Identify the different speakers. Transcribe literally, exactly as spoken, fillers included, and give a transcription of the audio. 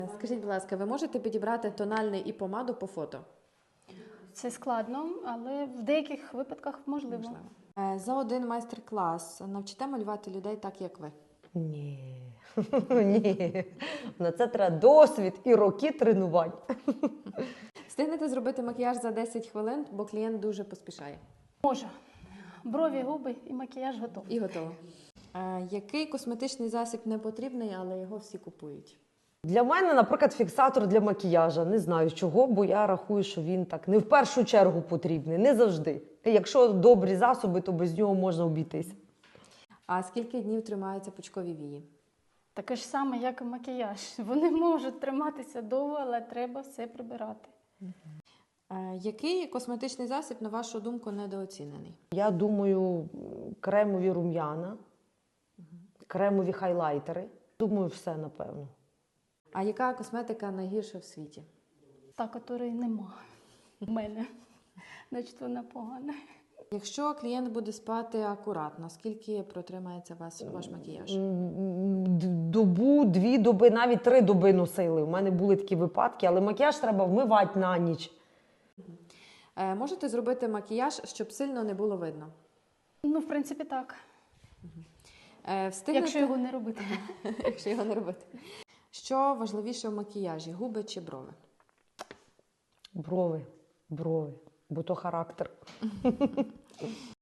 Speaker 1: Скажіть, будь ласка, ви можете підібрати тональний і помаду по фото?
Speaker 2: Це складно, але в деяких випадках можливо.
Speaker 1: Можливо. Е, За один майстер-клас навчите малювати людей так, як ви?
Speaker 3: Ні. Ні. На це треба досвід і роки тренувань.
Speaker 1: Встигнете зробити макіяж за десять хвилин, бо клієнт дуже поспішає.
Speaker 2: Можу. Брові, губи і макіяж готовий.
Speaker 1: І готово. Е, Який косметичний засіб не потрібний, але його всі купують?
Speaker 3: Для мене, наприклад, фіксатор для макіяжа. Не знаю чого, бо я рахую, що він так не в першу чергу потрібний, не завжди. Якщо добрі засоби, то без нього можна обійтись.
Speaker 1: А скільки днів тримаються пучкові вії?
Speaker 2: Таке ж саме, як і макіяж. Вони можуть триматися довго, але треба все прибирати.
Speaker 1: Е, Який косметичний засіб, на вашу думку, недооцінений?
Speaker 3: Я думаю, кремові рум'яна, кремові хайлайтери. Думаю, все, напевно.
Speaker 1: А яка косметика найгірша в світі?
Speaker 2: Та, котрої нема в мене. Значить, вона погана.
Speaker 1: Якщо клієнт буде спати акуратно, скільки протримається вас, ваш макіяж?
Speaker 3: Д- Добу, дві доби, навіть три доби носили. У мене були такі випадки, але макіяж треба вмивати на ніч.
Speaker 1: Е, Можете зробити макіяж, щоб сильно не було видно?
Speaker 2: Ну, в принципі, так.
Speaker 1: Е, Встигнете...
Speaker 2: Якщо його не робити.
Speaker 1: Якщо його не робити. Що важливіше в макіяжі, губи чи брови?
Speaker 3: Брови, брови, бо то характер.